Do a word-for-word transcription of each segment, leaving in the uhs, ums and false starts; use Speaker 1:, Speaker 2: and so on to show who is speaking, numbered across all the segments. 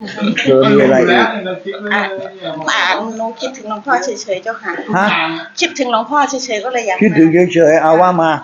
Speaker 1: เธอมีอะไรอีก
Speaker 2: อ่ะอ่าหนูคิดถึงหลวงพ่อเฉยๆเจ้าค่ะ
Speaker 1: ฮะ
Speaker 2: คิดถึงหลวงพ่อเฉยๆก็เลยอยาก
Speaker 1: คิดถึงเฉยๆเอาว่ามา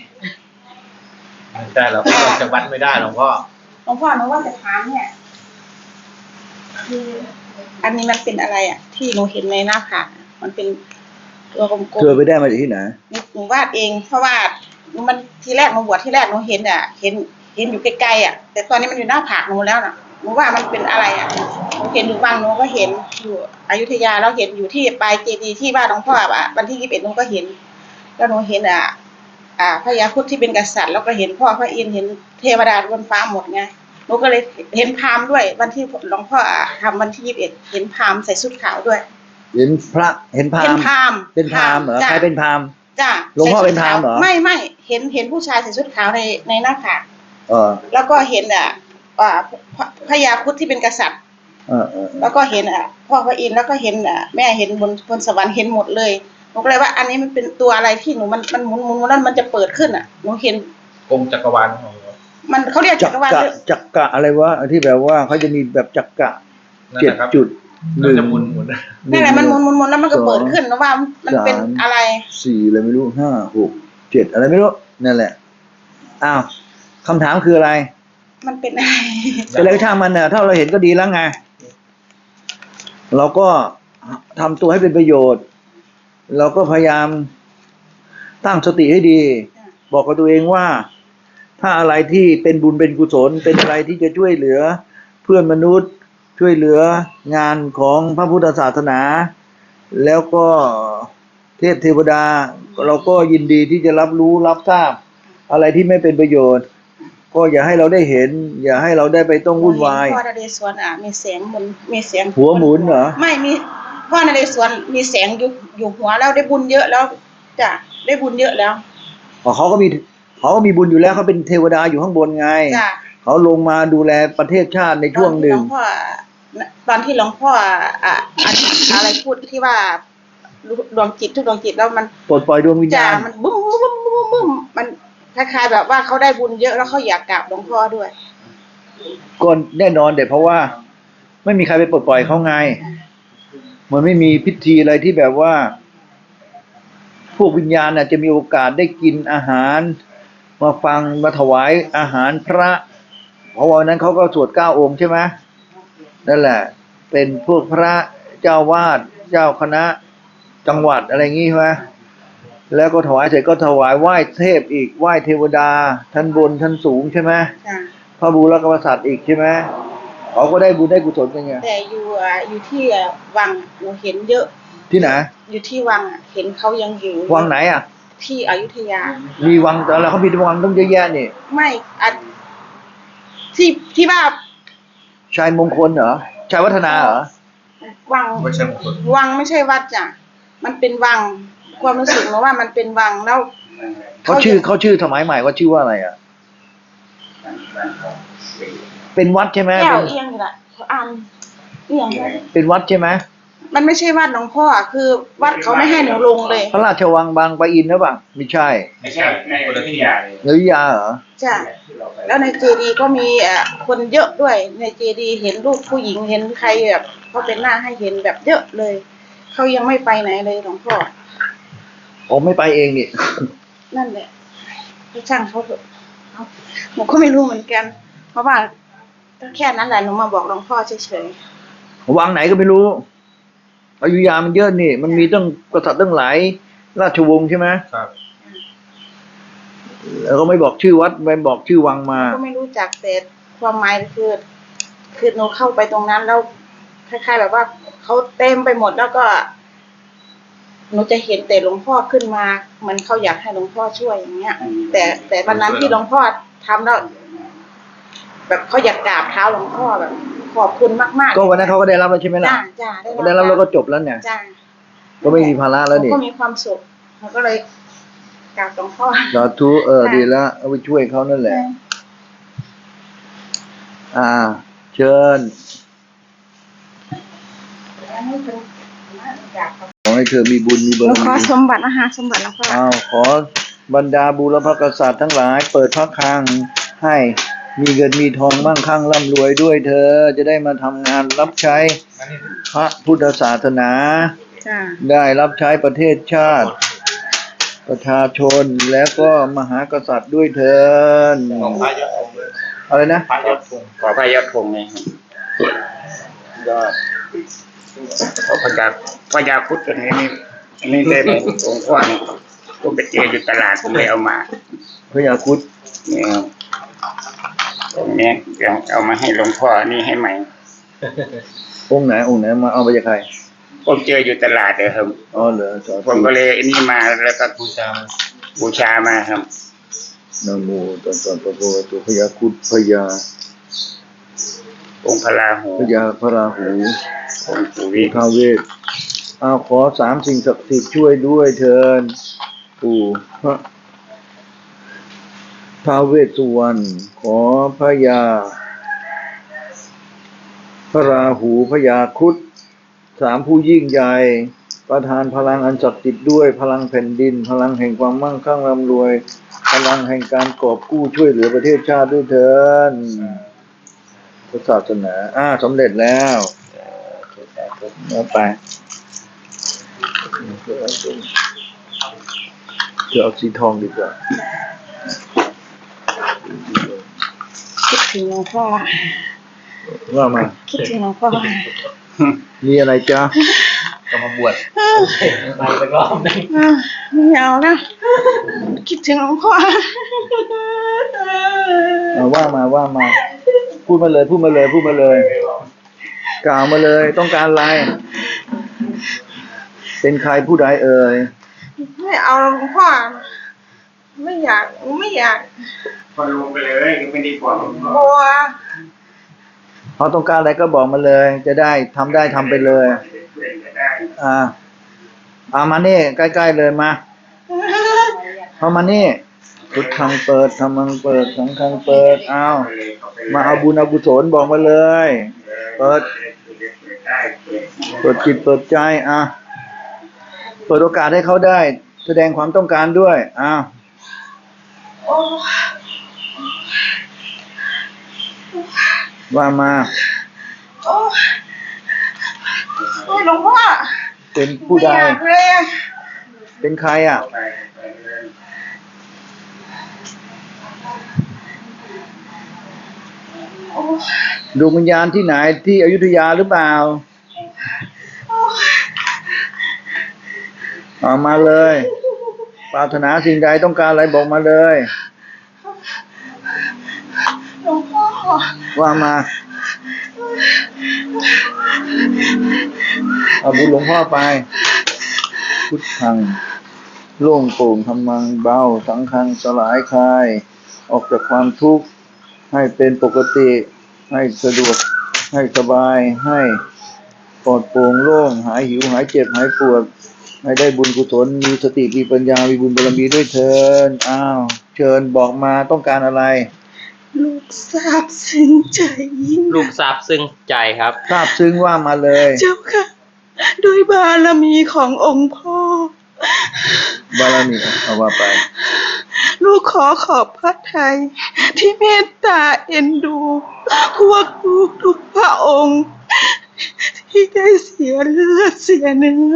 Speaker 3: ไม่ได้เราก็ออกจากวัดไม่ได้หลวงพ่อ
Speaker 2: หลวงพ่อหนูว่าจะถามเนี่ยคืออันนี้มันเป็นอะไรอ่ะ ที่หนูเห็นในหน้าผากมันเป็นตัวกลมๆ
Speaker 1: เธอไปได้มาจากที่ไหน
Speaker 2: หนูวาดเอง เพราะว่ามันทีแรกหนูบวชที่แรกหนูเห็นอ่ะ เห็นเห็นอยู่ไกลๆอ่ะ แต่ตอนนี้มันอยู่หน้าผากหนูแล้วน่ะหนูว่ามันเป็นอะไรอ่ะหนูเห็นอยู่บางหนูก็เห็นอยู่อยุธยาแล้วเห็นอยู่ที่ปลายเจดีย์ที่บ้านหลวงพ่ออ่ะวันที่ยี่สิบเอ็ดหนูก็เห็น แล้วหนูเห็นอ่ะ อ่าพญาครุฑที่เป็นกษัตริย์แล้วก็เห็นพ่อพระอินทร์เห็นเทวดาบนฟ้าหมดไงหนูก็เลยเห็นพราหมณ์ด้วย วันที่หลวงพ่อทำวันที่ยี่สิบเอ็ดเห็นพราหมณ์ใส่ชุดขาวด้วย
Speaker 1: เห็นพระเห็นพรา
Speaker 2: เห็
Speaker 1: ห
Speaker 2: น
Speaker 1: มณ์
Speaker 2: พราหมณ์
Speaker 1: เป็นพราหมณ์เหรอ
Speaker 2: จ้ะ
Speaker 1: ใครเป็นพราหมณ์
Speaker 2: จ้ะ
Speaker 1: หลวงพ่อเป็นพราหมณ์เหรอ
Speaker 2: ไม่ไม่เห็นเห็นผู้ชายใส่ชุดขาวในในหน้าผาก
Speaker 1: เออ
Speaker 2: แล้วก็เห็นอ่ะอ่าพระพญาครุฑที่เป็นกษัตริย์
Speaker 1: เออเออ
Speaker 2: แล้วก็เห็นอ่ะพ่อพระอินทร์แล้วก็เห็นอ่ะแม่เห็นบนบนสวรรค์เห็นหมดเลยหนูก็เลยว่าอันนี้มันเป็นตัวอะไรที่หนูมันมันหมุนหมุนหมุนแล้วมันจะเปิดขึ้นอ่ะหนูเห็น
Speaker 3: กงจักรวาลของเรา
Speaker 2: มันเขาเรียก
Speaker 1: จั
Speaker 2: จั
Speaker 1: ก
Speaker 2: กรวาล
Speaker 1: กะจักกะอะไรวะที่แบบว่าเขาจะมีแบบจักกะ
Speaker 3: นั่น
Speaker 1: เจ็ด
Speaker 3: นะครับ
Speaker 1: จุดห
Speaker 3: เรา
Speaker 1: นึ่ง
Speaker 3: จะหมุนหมุน
Speaker 2: นั่นแหละมันหมุนหมุนหมุนแล้วมันก็เปิดขึ้นนะว่ามันเป็นอะไร
Speaker 1: สี่อะไรไม่รู้ห้าหกเจ็ดอะไรไม่รู้นั่นแหละอ้าวคำถามคืออะไร
Speaker 2: มันเป็นอะไร
Speaker 1: แต่แล้วช่างมันเน่ะถ้าเราเห็นก็ดีแล้วไงเราก็ทำตัวให้เป็นประโยชน์ เราก็พยายามตั้งสติให้ดี บอกกับตัวเองว่า ถ้าอะไรที่เป็นบุญเป็นกุศลเป็นอะไรที่จะช่วยเหลือ เพื่อนมนุษย์ช่วยเหลืองานของพระพุทธศาสนา แล้วก็เทพเทวดา เราก็ยินดีที่จะรับรู้รับทราบ อะไรที่ไม่เป็นประโยชน์ ก็อย่าให้เราได้เห็น อย่าให้เราได้ไปต้องวุ่นวาย
Speaker 2: พ่อนเรศวรอ่ะมีแสงหมุนมีแสง
Speaker 1: หัวหมุนเหรอ
Speaker 2: ไม่มีพ่อนเรศวรมีแสงอยู่อยู่หัวแล้วได้บุญเยอะแล้วจ้ะได้บุญเยอะแล้ว
Speaker 1: อ๋อเขาก็มีเขาก็มีบุญอยู่แล้วเขาเป็นเทวดาอยู่ข้างบนไง
Speaker 2: จ้ะ
Speaker 1: เขาลงมาดูแลประเทศชาติในช่วงหนึ่ง
Speaker 2: ตอนที่หลวงพ่ออ่ะอ่ะอะไรพูดที่ว่าดวงจิตทุกดวงจิตแล้วมัน
Speaker 1: ปลดปล่อยดวงวิญ
Speaker 2: จ้ะ
Speaker 1: ญาณ
Speaker 2: มันบึ้มบึ้มบึ้มบึ้มมันคล้ายๆแบบว่าเขาได้บุญเยอะแล้วเขาอยากกราบหลวงพ่อด้วย
Speaker 1: ก็แน่นอนเด็เพราะว่า ไม่มีใครไปปลดปล่อยเขาไงมันไม่มีพิธีอะไรที่แบบว่า พวกวิญญาณน่ะจะมีโอกาสได้กินอาหาร มาฟังมาถวายอาหารพระ เพราะวันนั้นเขาก็สวดเก้าองค์ใช่ไหมนั่นแหละ เป็นพวกพระเจ้าวาดเจ้าคณะจังหวัดอะไรงี้ใช่ไหมแล้วก็ถวายเสร็จก็ถวายไหว้เทพอีกไหว้เทวดาท่านบนท่านสูงใช่ไหม
Speaker 2: จ้ะ
Speaker 1: พระบูรพกษัตริย์อีกใช่ไหมเขาก็ได้บุญได้กุศลกันไง
Speaker 2: แต่อยู่อ่ะอยู่ที่อ่ะวังหนูเห็นเยอะ
Speaker 1: ที่ไหน
Speaker 2: อยู่ที่วังอ่ะเห็นเขายังอยู่
Speaker 1: วังไหนอ่ะ
Speaker 2: ที่อยุธยา
Speaker 1: มีวังแต่ละเขามีวังต้องเยอะแยะนี่
Speaker 2: ไม่อะที่ที่ว่า
Speaker 1: ชายมงคลเหรอชายวัฒนาเหรอ
Speaker 2: วัง
Speaker 3: ไม่ใช่มงคล
Speaker 2: วังไม่ใช่วัดจ้ะมันเป็นวังความรู้สึกหนูว่ามันเป็นวังแล้ว
Speaker 1: เขาชื่อเขาชื่อสมัยใหม่ว่าชื่อว่าอะไรอ่ะ เป็นวัดใช่ไหม
Speaker 2: แก้ว
Speaker 1: เป็น
Speaker 2: เอียงอยู่ละเขาอ่านเอียงนะ
Speaker 1: เป็นวัดใช่ไหม
Speaker 2: มันไม่ใช่วัดหลวงพ่อคือวัดเขาไม่ให้หนูลงเลย
Speaker 1: พระราชวังบางปะอินหรือเปล่าไม่ใช่
Speaker 3: ไม่ใช่คนละที่
Speaker 1: เนรยาเหรอ
Speaker 2: จ้ะแล้วในเจดีย์ก็มีเอ่อคนเยอะด้วยในเจดีย์เห็นรูปผู้หญิงเห็นใครแบบเขาเป็นหน้าให้เห็นแบบเยอะเลยเขายังไม่ไปไหนเลยหลวงพ่อ
Speaker 1: ผมไม่ไปเองนี่
Speaker 2: นั่นแหละให้ช่างเขาเถอะเอาหนูก็ไม่รู้เหมือนกัน เพราะว่าก็แค่นั้นแหละหนูมาบอกหลวงพ่อเฉย
Speaker 1: วังไหนก็ไม่รู้อยุธยามันเยอะนี่ มันมีตั้งกษัตริย์ตั้งหลายราชวงศ์ใช่ไหม
Speaker 3: ครับ
Speaker 1: แล้วก็ไม่บอกชื่อวัดไม่บอกชื่อวังมา
Speaker 2: ๆก็ไม่รู้จักแต่ความหมายคือคือหนูเข้าไปตรงนั้นแล้วคล้ายๆแบบว่าเขาเต็มไปหมดแล้วก็หนูจะเห็นแต่หลวงพ่อขึ้นมาเหมือนเขาอยากให้หลวงพ่อช่วยอย่างเงี้ย แต่แต่วันนั้นที่หลวงพ่อทำแล้วแบบเขาอยากกราบเท้าหลวงพ่อแบบขอบคุณมากๆ
Speaker 1: ก็วันนั้นเขาก็ได้รับแล้วใช่ไหมล่ะ
Speaker 2: จ้าจ้า
Speaker 1: ก็ได้รับแล้วก็จบแล้วเนี่ย
Speaker 2: จ้า
Speaker 1: ก็ไม่มีภาระแล้วนี่
Speaker 2: ก็มีความสุขเขาก็เลยกราบหลวงพ่อ
Speaker 1: สาธุเออดีแล้วเอาไปช่วยเขานั่นแหละ อ่า เชิญขอให้เธอมีบุญมีบาร
Speaker 2: แล้วขอ
Speaker 1: มี
Speaker 2: สมบัติอาหารสมบัติหลวงพ่อ
Speaker 1: อ้าวขอบรรดาบูรพกษัตริย์ทั้งหลาย เปิดพระคลังให้มีเงินมีทองมั่งคั่งร่ำรวยด้วยเธอจะได้มาทำงานรับใช้พระพุทธศาสนา
Speaker 2: จ้า
Speaker 1: ได้รับใช้ประเทศชาติ ประชาชนและก็มหากษัตริย์ด้วยเถิด
Speaker 3: ของพระยอดธงเลย
Speaker 1: อะไรนะ
Speaker 3: พระยอดธง
Speaker 4: ขอพระยอดธงไงยอดขอพระยาพระยาครุฑตัวนี้นี่อันนี้ได้มาหลวงพ่อเนี่ยผมไปเจออยู่ตลาดผมเลยเอามา
Speaker 1: พระยาครุฑ
Speaker 4: เนี่ยครับตรงนี้เดี๋ยวเอามาให้หลวงพ่อนี่ให้ใหม่
Speaker 1: องค์ไหนองค์ไหนมาเอาไปจากใคร
Speaker 4: ผมเจออยู่ตลาดเลยครับ
Speaker 1: อ๋อเหรอสา
Speaker 4: ผ
Speaker 1: ธุ
Speaker 4: มก็เลยอันนี้มาแล้วก็
Speaker 3: บูชา
Speaker 4: บูชามาครับ
Speaker 1: นะโมตัสสะภะคะวะโตพระยาครุฑพระยา
Speaker 4: องค์พระราหู
Speaker 1: พระยาพระราหู
Speaker 4: องค์ปู่วิ
Speaker 1: ท้าวเวสเอาขอสามสิ่งศักดิ์สิทธิ์ช่วยด้วยเถิดปู่พระท้าวเวสสุวรรณขอพระยา พระราหูพระยาครุฑสามผู้ยิ่งใหญ่ประทานพลังอันศักดิ์สิทธิ์ด้วยพลังแผ่นดิน พลังแห่งความมั่งคั่งร่ำรวย พลังแห่งการกอบกู้ช่วยเหลือประเทศชาติด้วยเถิดพระศาสนาอ่าสำเร็จแล้วแล้วไปจะเอาสีทองดีกว่า
Speaker 2: คิดถึงหลวงพ่อ
Speaker 1: ว่ามา
Speaker 2: คิดถึงหลวงพ่อ
Speaker 1: มีอะไรจ๊ะ
Speaker 3: ก็มาบวชไปสักรอบหนึง
Speaker 2: อ่ะไม่เอาแล้วคิดถึงหลวงพ่อ
Speaker 1: เอาว่ามาว่ามา พูดมาเลยพูดมาเลยพูดมาเลย กล่าวมาเลยต้องการอะไร เป็นใครผู้ใดเอ่ย
Speaker 2: ไม่เอาหลวงพ่อ ไม่อยากไม่อยาก
Speaker 4: พอลงไปเลยไม่ดีกว่า
Speaker 2: กลัว
Speaker 1: เขาต้องการอะไรก็บอกมาเลย จะได้ทำได้ทำไปเลย อ่าเอามานี่ใกล้ๆเลยมาเข้ามานี่พุทธังเปิดธรรมังเปิดสังฆังเปิดเอามาเอาบุญเอากุศลบอกมาเลย เปิดเปิดจิตเปิดใจอ่ะเปิดโอกาสให้เขาได้ แสดงความต้องการด้วยอ้าว
Speaker 2: โอ้
Speaker 1: ว่ามา
Speaker 2: โอ้โอ้ยหลวงพ่อ
Speaker 1: เป็นผู้ใด
Speaker 2: ไม่อยากเลยอะ
Speaker 1: เป็นใครอ่ะ
Speaker 2: โอ้
Speaker 1: ดวงวิญญาณที่ไหนที่อยุธยาหรือเปล่า
Speaker 2: โอ้
Speaker 1: เอามาเลย ปรารถนาสิ่งใดต้องการอะไรบอกมาเลย
Speaker 2: หลวงพ่อ
Speaker 1: ว่ามาเอาบุญหลวงพ่อไป พุทธังโล่งโปร่งธรรมังเบาสังฆังสลายคลาย ออกจากความทุกข์ให้เป็นปกติให้สะดวกให้สบายให้ปลอดโปร่งโล่งหายหิวหายเจ็บหายปวดให้ได้บุญกุศลมีสติมีปัญญามีบุญบารมีด้วยเถิดอ้าวเชิญบอกมาต้องการอะไร
Speaker 2: ลูกทราบซึ้งใจยิ่ง
Speaker 5: ลูกทราบซึ้งใจครับ
Speaker 1: ทราบซึ้งว่ามาเลย
Speaker 2: เจ้าค่ะด้วยบารมีขององค์พ่อ
Speaker 1: บารมีเอาว่าไป
Speaker 2: ลูกขอขอบพระทัยที่เมตตาเอ็นดู พวกลูกทุกพระองค์ ที่ได้เสียเลือดเสียเนื้อ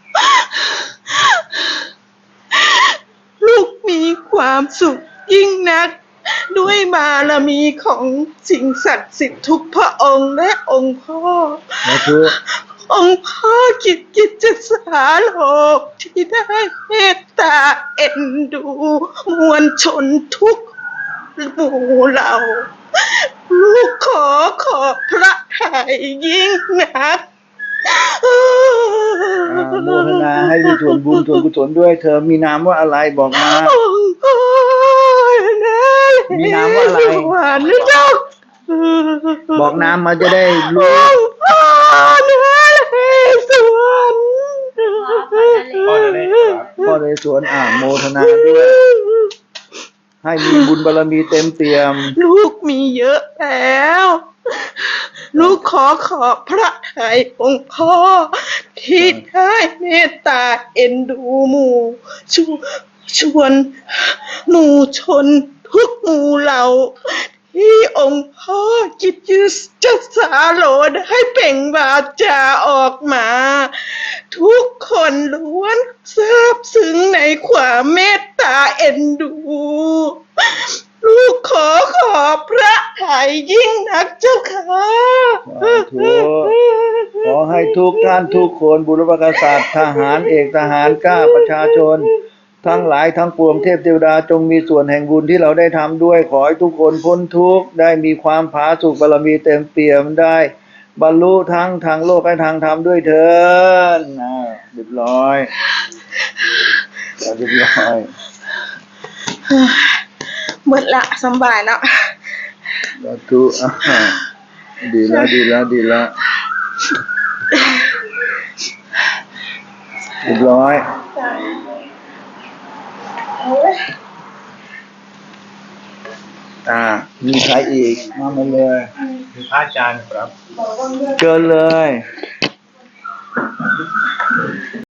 Speaker 2: ลูกมีความสุขยิ่งนัก ด้วยบารมีของสิ่งศักดิ์สิทธิ์ทุกพระองค์และองค์พ่อ
Speaker 1: นะทุก
Speaker 2: องค์พ่อกิจกิจสาโลกที่ได้เมตตาเอ็นดูมวลชนทุกหมู่เหล่า ลูกขอขอบพระทัยยิ่งนัก
Speaker 1: อ่าโมทนาให้มีส่วนบุญส่วนกุศลด้วยเธอมีนามว่าอะไรบอกมา
Speaker 2: องค์พ่อนะ
Speaker 1: มีนามว่าอะไร
Speaker 2: สวรรค์เจ้า
Speaker 1: บอกนามมาจะได้รู้
Speaker 2: องค์พ่อนะสวรรค์
Speaker 3: พ่อจะได้ครับ
Speaker 1: พ่อในสวนอ่าโมทนาด้วย ให้มีบุญบารมีเต็มเปี่ยม
Speaker 2: ลูกมีเยอะแล้ว ลูกขอขอบพระทัยองค์พ่อ ที่ได้เมตตาเอ็นดูหมู่ชวชวนหมู่ชนทุกหมู่เหล่า
Speaker 6: ที่องค์พ่อจิตยืจัดสาโลได้เปล่งวาจาออกมา ทุกคนล้วนซาบซึ้งในความเมตตาเอ็นดู ลูกขอขอบพระทัยยิ่งนักเจ้าค่ะ
Speaker 1: สาธุขอให้ทุกท่านทุกคนบุรพกษัตริย์ทหารเอกทหารกล้าประชาชน ทั้งหลายทั้งปวงเทพเทวดาจงมีส่วนแห่งบุญที่เราได้ทำด้วย ขอให้ทุกคนพ้นทุกข์ได้มีความผาสุกบารมีเต็มเปี่ยมได้ บรรลุทั้งทางโลกและทางธรรมด้วยเถิดอ่าเรียบร้อยเรียบร้อย
Speaker 6: หมดละสำบายแล้ว
Speaker 1: สาธุอ่าดีแล้วดีแล้วดีแล้วเรียบร้อยอ่ามีใครอีกมามาเลย
Speaker 3: คือพระอาจารย์ครับ
Speaker 1: เชิญเลย